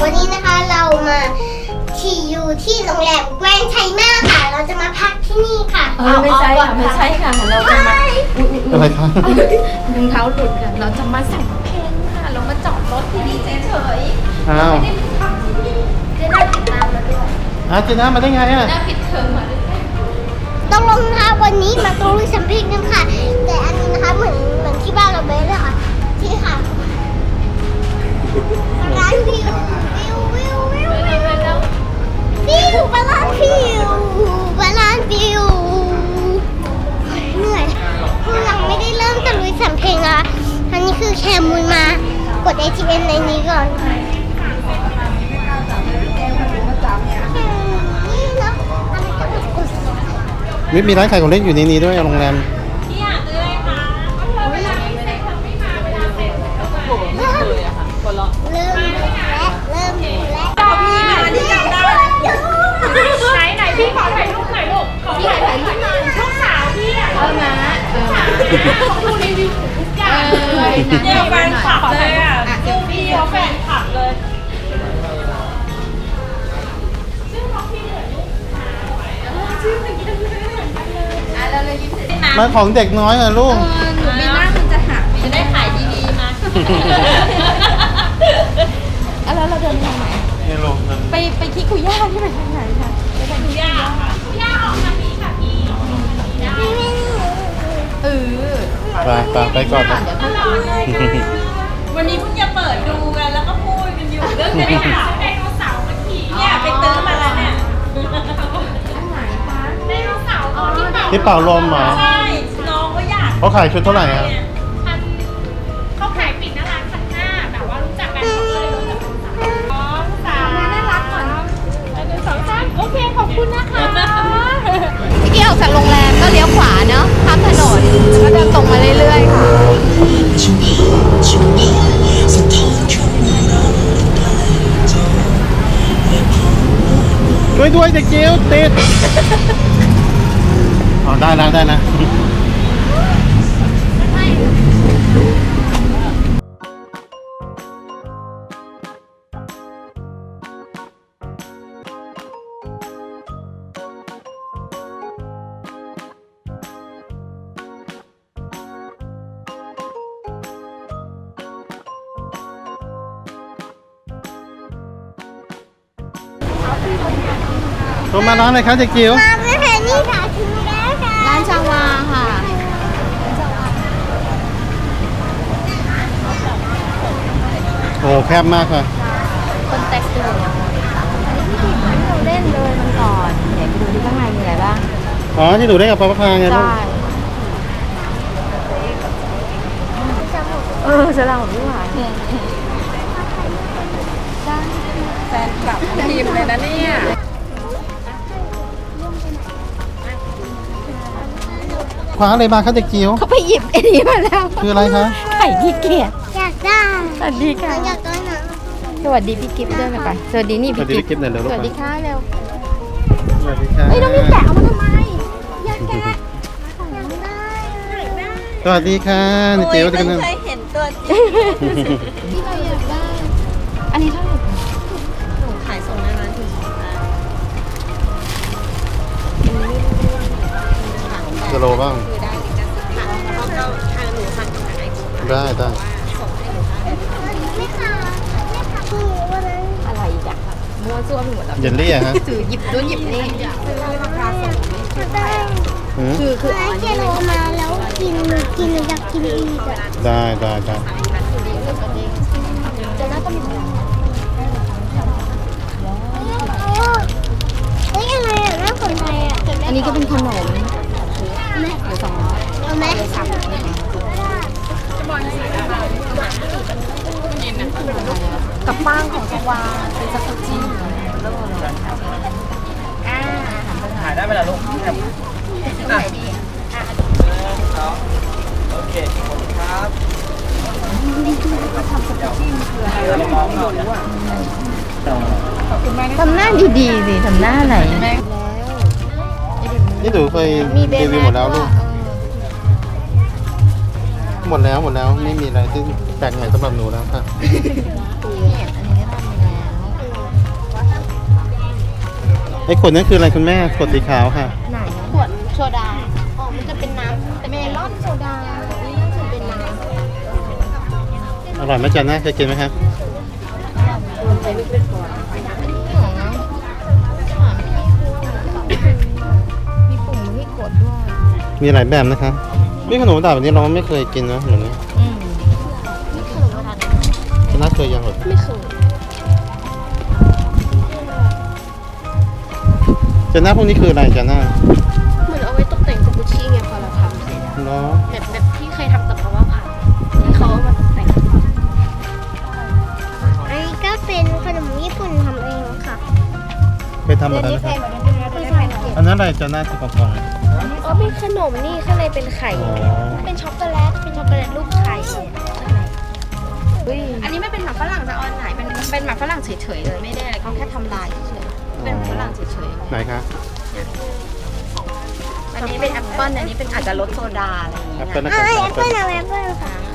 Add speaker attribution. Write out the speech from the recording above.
Speaker 1: วันนี้นะคะเรามาที่อยู่ที่โรงแรมแกรนด์ไชน่าค่ะเราจะมาพักที่นี่ค่ะ
Speaker 2: ไม่ใช่ค่ะไม่ใช่ค่ะเราจะมา
Speaker 3: อะไรคะ
Speaker 2: รองเท้าหลุดค่ะเราจะมาสั่งเพลงค่ะเรามาจอดรถที่นี่เฉย
Speaker 3: อ้าว
Speaker 2: ๆจะได้ติดตามมาด้วย
Speaker 3: เจน่ามาได้ไงอ่ะ
Speaker 2: น่าปิดเทอมมาด้วย
Speaker 1: ต้องลงนะคะวันนี้มาตรงลุยสัมพิงกันค่ะแต่อันนี้นะคะเหมือนที่บ้านเราเบสเลยค่ะที่ค่ะร้านวิวบาลานวิวเหนื่อยคือยังไม่ได้เริ่มตะลุยสัมเพลงอ่ะอันนี้คือแคมูลมากด ATM ในนี้ก่อนนี่เนาะอะไรก็แบบกด
Speaker 3: มีร้านขายของเล่นอยู่ในนี้ด้วยโรงแรม
Speaker 1: เริ่มแล้ว
Speaker 4: จอบพี่มาที่จำได้ไหนพี่ขอถ่ายรูปหน่อยลูกขอถ่ายรูปหน่อยลูกสาวพี่อ่ะ
Speaker 2: นะ
Speaker 4: เขาดูรีวิวทุกอย่างเนี่ยแฟนคลับเลยอ่ะลูกพี่เขาแฟนคลับเลย
Speaker 2: เราเลยยิ้มเสร็จ
Speaker 3: มาของเด็กน้อยเหรอลูก
Speaker 2: หนูมีหน้ามันจะหักจะได้ขายดีๆมาแล้วเราเดินทางไหน
Speaker 3: นี่ลูกมัน
Speaker 2: ไปคิคุย่าที่ไปทางไหนคะไปทางคิคุย่าค่ะ
Speaker 4: ย่าออกมานี้ค่ะพี่
Speaker 3: ไปก่อนนะ
Speaker 2: เดี๋ยวเขา
Speaker 4: วันนี้เพิ่งจะเปิดดูกันแล้วก็พูดกันอยู่เรื่องไดโนเสาร์เมื่อกี้เนี่ยไปตื้อมาแล้วเนี่ย
Speaker 2: อันไหนคะ
Speaker 4: ไดโนเสาร์ตัวที่เป่า
Speaker 3: ที่เป่าลมเหรอ
Speaker 4: ใช่น้องก็อยาก
Speaker 3: เขาขายชุดเท่าไหร่อ่ะ
Speaker 4: เขาขายปิดหน้าร้าน1,500แบบว่ารู้จักกันเขาเลยรู้จักกัน2 3น่ารักก่อน1 2 3โอเคขอบคุณนะคะ
Speaker 2: เมื่อกี้ออกจากโรงแรมก็เลี้ยวขวาเนาะข้ามถนนแล้วก็เดินตรงมาเรื่อยๆค่ะ
Speaker 3: ด้วยเด็กจิ๋วติดอ๋อได้นะ ตัวมาร้านอะไรคะเด็กจิ๋ว
Speaker 1: มาไม่เห็นนี่ค่ะถึงแล้วค่ะ
Speaker 2: ร้านชาวาค่ะ
Speaker 3: โอ้แคบมากค่ะ
Speaker 2: คนแตกตื่นอันนี้ที่เราเล่นเลยมันก่อนเดี๋ยวไปดูที่ข้างในมีอะไรบ้าง
Speaker 3: อ๋อที่หนูได้กับป้าพาไงลูก
Speaker 2: ใช่ฉลามของพี่หวานแฟนคลับทีมเลยนะเนี่ย
Speaker 3: คว้าอะไรมาคะเด็กจิ๋ว
Speaker 2: เขาไปหยิบไอ้นี้มาแล้ว
Speaker 3: คืออะไรคะ
Speaker 2: ไข่ขี้เกียจ
Speaker 1: อยากได้
Speaker 2: สวัสดีค่ะ
Speaker 1: อยากได้นะ
Speaker 2: สวัสดีพี่กิฟต์ด้วยไหมคะสวัสดีนี่
Speaker 3: สวั
Speaker 2: พี่
Speaker 3: สดี
Speaker 2: กิฟต์
Speaker 3: พี่กิฟต์หน่อยเร็วลู
Speaker 2: ส
Speaker 3: ก
Speaker 2: วัสดีค่ะเร็ว
Speaker 3: สวัสดีค่ะ
Speaker 2: เฮ้ยน้องพี่แกะเอามาทำไมอยากแกะ
Speaker 3: สวัสดีค่ะเด็กจิ๋วกันนึง
Speaker 2: ที่เราอยากได้ อันนี้เท่าไหร่คะ
Speaker 4: ขายส่งในร้านถึง
Speaker 3: กิโลบ้าง
Speaker 4: คือได้ลิขสิทธิ์ค่ะแล้วก็ทางหนูทางไหน
Speaker 3: ได้
Speaker 4: ส่งให้ลูกค้า
Speaker 1: ไม่ค่ะไม่ค่ะคือวันนั้น
Speaker 2: อะไรอีกอะมั่วซั่วไปหมดแล้ว
Speaker 3: เยลลี่อะฮะ
Speaker 2: ถือหยิบนู้นหยิบนี่
Speaker 1: ราคาส่งได้
Speaker 3: หืม
Speaker 2: คือ
Speaker 1: ร้านเจโรมาแล้วกินหนูอยากกินอีกอ่ะ
Speaker 3: ได้
Speaker 2: จะน่าจะมี
Speaker 1: เฮ้ยอะไรอ่ะน่าสนใจอ่ะ
Speaker 2: อันนี้ก็เป็นขนม
Speaker 1: เอาไหม
Speaker 2: เดี๋ยวสอง
Speaker 1: เอาไหม
Speaker 2: กับป้างของสวาเป็นซักจี้
Speaker 5: ถ่ายได้ไหมล่ะลูกโอเคขอบคุณครับ
Speaker 2: ทำหน้าดีๆสิทำหน้าไหน
Speaker 3: นี่หนูเคยรีวิวหมดแล้วลูก หมดแล้วไม่มีอะไรที่แปลกใหม่สำหรับหนูแล้วค่ะ
Speaker 2: อันนี้ก็ทำแล้ว
Speaker 3: ไอ้ขวดนั้นคืออะไรคุณแม่ขวดสีขาวค่ะ
Speaker 2: ไหน
Speaker 1: ขวดโซดา อ๋อ มันจะเป็นน้ำแต่
Speaker 2: เมลอนโซดา นี่น่าจะเป็นน้
Speaker 3: อร่อยไหมจ๊ะนะเคยกินไหมครับ
Speaker 2: ำใส่ลูกเป็นขวดหอมมีปุ่มที่กดด้วย
Speaker 3: มีหลายแบบนะคะนี่ขนมดาบแบบนี้เราไม่เคยกินนะเหมือนนี้
Speaker 1: นี่คือขนมทาน
Speaker 3: จ๊ะนะเคยยังหรอ
Speaker 1: ไม่เคย
Speaker 3: จ๊ะนะพวกนี้คืออะไรจ๊ะนะ
Speaker 1: เหมือนเอาไว้ตกแต่งสกุชชี่ไงพอเราทำเสร็จอะ
Speaker 3: เนาะ
Speaker 1: แบบที่เคยทำกับเพราะว่าผักที่เขาเอามาตกแต่งอันนี้ก็เป็นขนมญี่ปุ่นทำเองค่ะ
Speaker 3: เคยทำมาแล้วนะครับอันนั้นอะไรจ๊ะนะที่กล่องๆ
Speaker 1: อ๋อเป็นขนมนี่ข้างในเป็นไข่
Speaker 3: อ๋อ
Speaker 1: เป็นช็อกโกแลต เป็นช็อกโกแลตรูปไข่ข้างใน
Speaker 2: อันนี้ไม่เป็นหมักฝรั่งจะออนไหนเป็นหมักฝรั่งเฉยๆเลยไม่ได้อะไรเขาแค่ทำลายเฉยๆเป็นฝรั่งเฉย
Speaker 3: ไหนคะ
Speaker 2: ๆอันนี้เป็นแอปเปิ้ลอันนี้เป็นอาจจะรสโซดาอะไรอย่าง
Speaker 3: แอ
Speaker 2: เงี้
Speaker 3: ป
Speaker 2: ย
Speaker 3: เปิ้ลนะ
Speaker 1: อ่า
Speaker 3: ครับ
Speaker 1: แอปเปิ้ลเอาแอปเปิ้ลค่ะ